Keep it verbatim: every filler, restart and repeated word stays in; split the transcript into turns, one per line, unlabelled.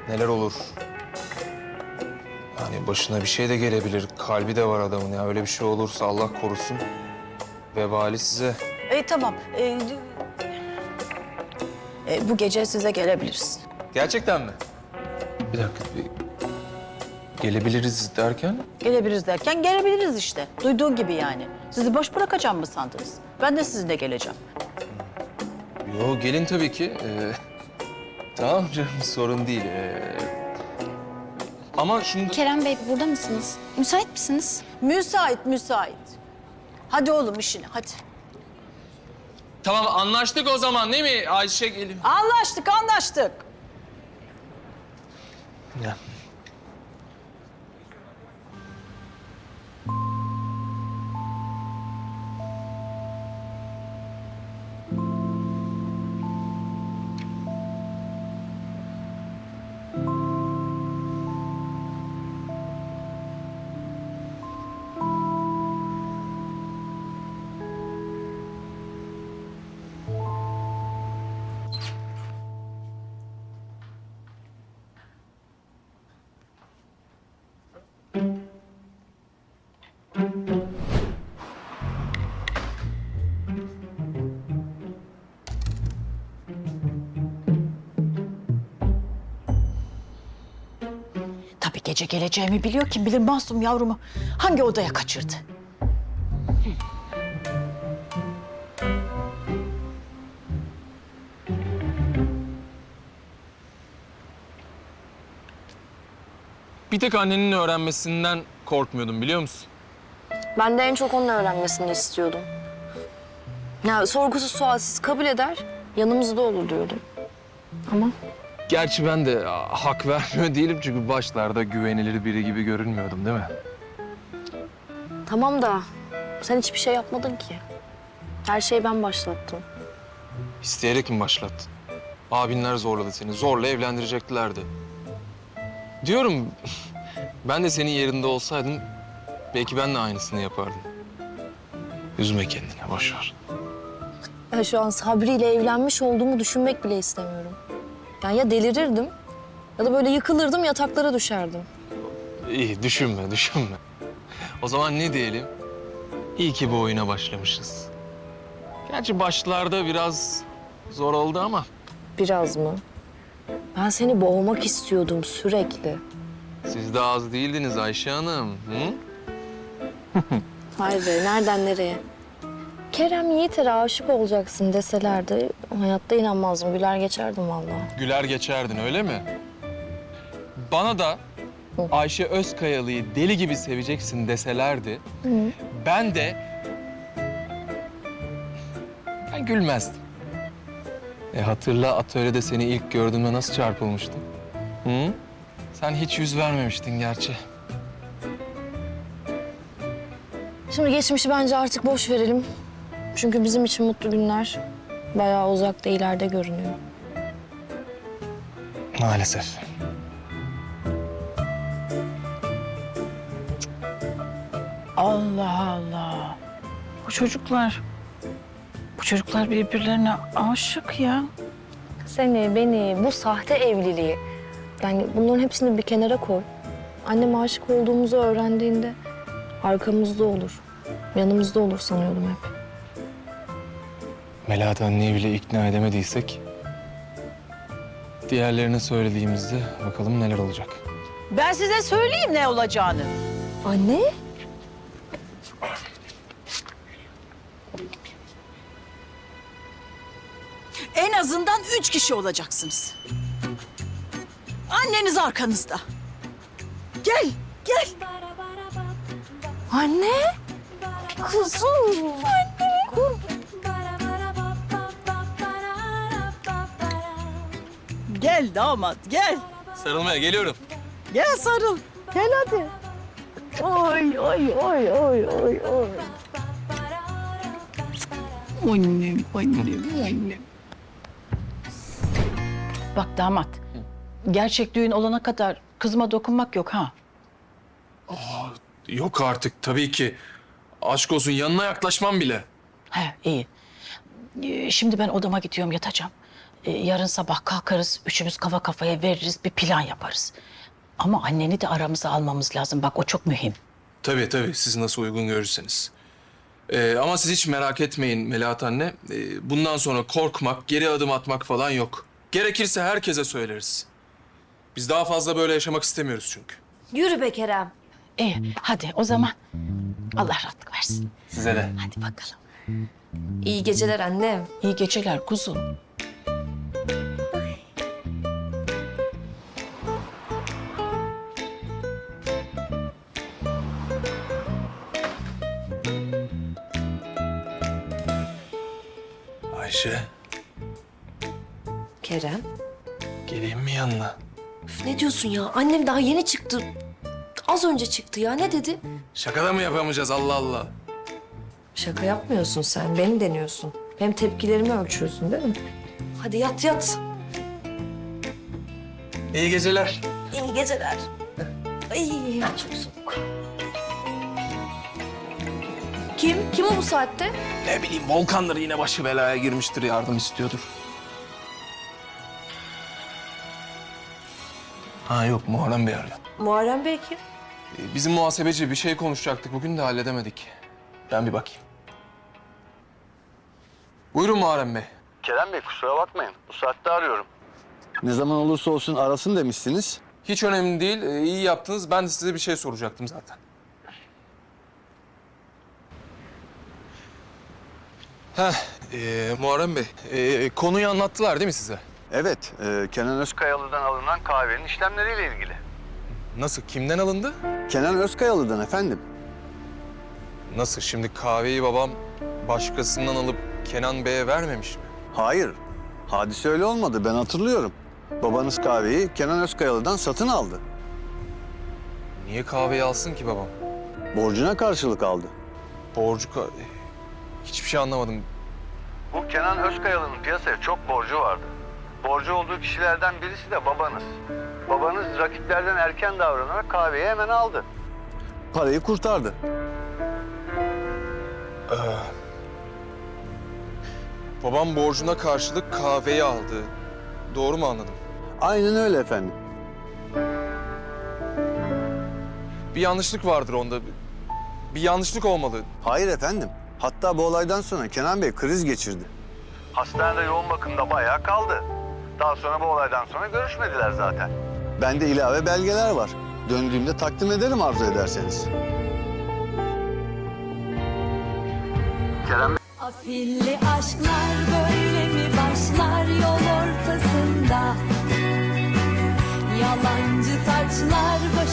neler olur? Yani başına bir şey de gelebilir. Kalbi de var adamın ya. Öyle bir şey olursa Allah korusun. Vebali size.
E, tamam. E, e, bu gece size gelebiliriz.
Gerçekten mi? Bir dakika. Bir... Gelebiliriz derken?
Gelebiliriz derken gelebiliriz işte. Duyduğun gibi yani. Sizi boş bırakacağım mı sandınız? Ben de sizinle geleceğim.
Yo, gelin tabii ki. Ee, tamam canım, sorun değil. Ee, ama şimdi...
Kerem Bey burada mısınız? Müsait misiniz?
Müsait, müsait. Hadi oğlum işine, hadi.
Tamam, anlaştık o zaman değil mi Ayşe gelin?
Anlaştık, anlaştık.
Ya.
Tabii gece geleceğimi biliyor. Kim bilir Masum yavrumu hangi odaya kaçırdı?
Bir tek annenin öğrenmesinden korkmuyordum, biliyor musun?
Ben de en çok onun öğrenmesini istiyordum. Ya sorgusuz sualsiz kabul eder, yanımızda olur diyordum. Ama
Gerçi ben de hak vermiyor değilim çünkü başlarda güvenilir biri gibi görünmüyordum değil mi?
tamam da sen hiçbir şey yapmadın ki. Her şeyi ben başlattım.
İsteyerek mi başlattın? Abinler zorladı seni, zorla evlendireceklerdi. Diyorum, ben de senin yerinde olsaydım belki ben de aynısını yapardım. Üzme kendini, boş ver.
Ya şu an Sabri ile evlenmiş olduğumu düşünmek bile istemiyorum. Yani ya delirirdim ya da böyle yıkılırdım, yataklara düşerdim.
İyi, düşünme, düşünme. O zaman ne diyelim? İyi ki bu oyuna başlamışız. Gerçi başlarda biraz zor oldu ama...
Biraz mı? Ben seni boğmak istiyordum sürekli.
Siz de az değildiniz Ayşe Hanım. Hı?
Vay be, nereden nereye? Kerem Yiğiter'e aşık olacaksın deselerdi hayatta inanmazdım. Güler geçerdim vallahi.
Güler geçerdin, öyle mi? Bana da Ayşe Özkayalı'yı deli gibi seveceksin deselerdi...
Hı.
ben de... ben gülmezdim. E hatırla, atölyede seni ilk gördüğümde nasıl çarpılmıştım? Hı? Sen hiç yüz vermemiştin gerçi.
Şimdi geçmişi bence artık boş verelim. Çünkü bizim için mutlu günler bayağı uzakta, ileride görünüyor.
Maalesef.
Allah Allah. Bu çocuklar, bu çocuklar birbirlerine aşık ya.
Seni, beni, bu sahte evliliği, yani bunların hepsini bir kenara koy. Annem aşık olduğumuzu öğrendiğinde arkamızda olur, yanımızda olur sanıyordum hep.
Melahat anneyi bile ikna edemediysek... diğerlerine söylediğimizde bakalım neler olacak.
Ben size söyleyeyim ne olacağını.
Anne?
En azından üç kişi olacaksınız. Anneniz arkanızda. Gel, gel.
Anne? Kuzum.
Gel damat, gel.
Sarılmaya geliyorum.
Gel sarıl. Gel hadi. Oy, oy, oy, oy, oy, oy. Annem, annem, annem. Bak damat, gerçek düğün olana kadar kızıma dokunmak yok ha.
Yok artık, tabii ki. Aşk olsun, yanına yaklaşmam bile.
He, iyi. Ee, Şimdi ben odama gidiyorum, yatacağım. e, yarın sabah kalkarız, üçümüz kafa kafaya veririz, bir plan yaparız. Ama anneni de aramıza almamız lazım. Bak o çok mühim.
Tabii tabii, siz nasıl uygun görürseniz. Ee, ama siz hiç merak etmeyin Melahat anne. Ee, bundan sonra korkmak, geri adım atmak falan yok. Gerekirse herkese söyleriz. Biz daha fazla böyle yaşamak istemiyoruz çünkü.
Yürü be Kerem.
İyi, hadi o zaman Allah rahatlık versin.
Size de.
Hadi bakalım.
İyi geceler annem.
İyi geceler kuzum.
Ayşe,
Kerem.
geleyim mi yanına?
Üf, ne diyorsun ya? Annem daha yeni çıktı. Az önce çıktı ya. Ne dedi?
Şakada mı yapamayacağız Allah Allah?
Şaka yapmıyorsun sen. Beni deniyorsun. Hem tepkilerimi ölçüyorsun değil mi? Hadi yat yat.
İyi geceler.
İyi geceler. Ay çok soğuk. Kim? Kim o bu saatte?
Ne bileyim, Volkan'dır yine başı belaya girmiştir, yardım istiyordur. Ha yok, Muharrem Bey arıyor.
Muharrem Bey kim?
Ee, Bizim muhasebeci, bir şey konuşacaktık bugün de halledemedik. Ben bir bakayım. Buyurun Muharrem Bey.
Kerem Bey kusura bakmayın. Bu saatte arıyorum. Ne zaman olursa olsun arasın demişsiniz.
Hiç önemli değil, ee, iyi yaptınız. Ben de size bir şey soracaktım zaten. Heh, ee, Muharrem Bey, ee, konuyu anlattılar değil mi size?
Evet, e, Kenan Özkayalı'dan alınan kahvenin işlemleriyle ilgili.
Nasıl, kimden alındı?
Kenan Özkayalı'dan efendim.
Nasıl, şimdi kahveyi babam başkasından alıp Kenan Bey'e vermemiş mi?
Hayır, hadise öyle olmadı. Ben hatırlıyorum. Babanız kahveyi Kenan Özkayalı'dan satın aldı.
Niye kahveyi alsın ki babam?
Borcuna karşılık aldı.
Borcu ka... Hiçbir şey anlamadım.
Bu Kenan Özkayalı'nın piyasaya çok borcu vardı. Borcu olduğu kişilerden birisi de babanız. Babanız rakiplerden erken davranarak kahveyi hemen aldı. Parayı kurtardı.
Babam borcuna karşılık kahveyi aldı. Doğru mu anladım?
Aynen öyle efendim.
Bir yanlışlık vardır onda. Bir yanlışlık olmalı.
Hayır efendim. Hatta bu olaydan sonra Kenan Bey kriz geçirdi. Hastanede yoğun bakımda bayağı kaldı. Daha sonra bu olaydan sonra görüşmediler zaten. Bende ilave belgeler var. Döndüğümde takdim ederim arzu ederseniz. Kerem Bey...
Afilli aşklar böyle mi başlar yol ortasında? Yalancı taçlar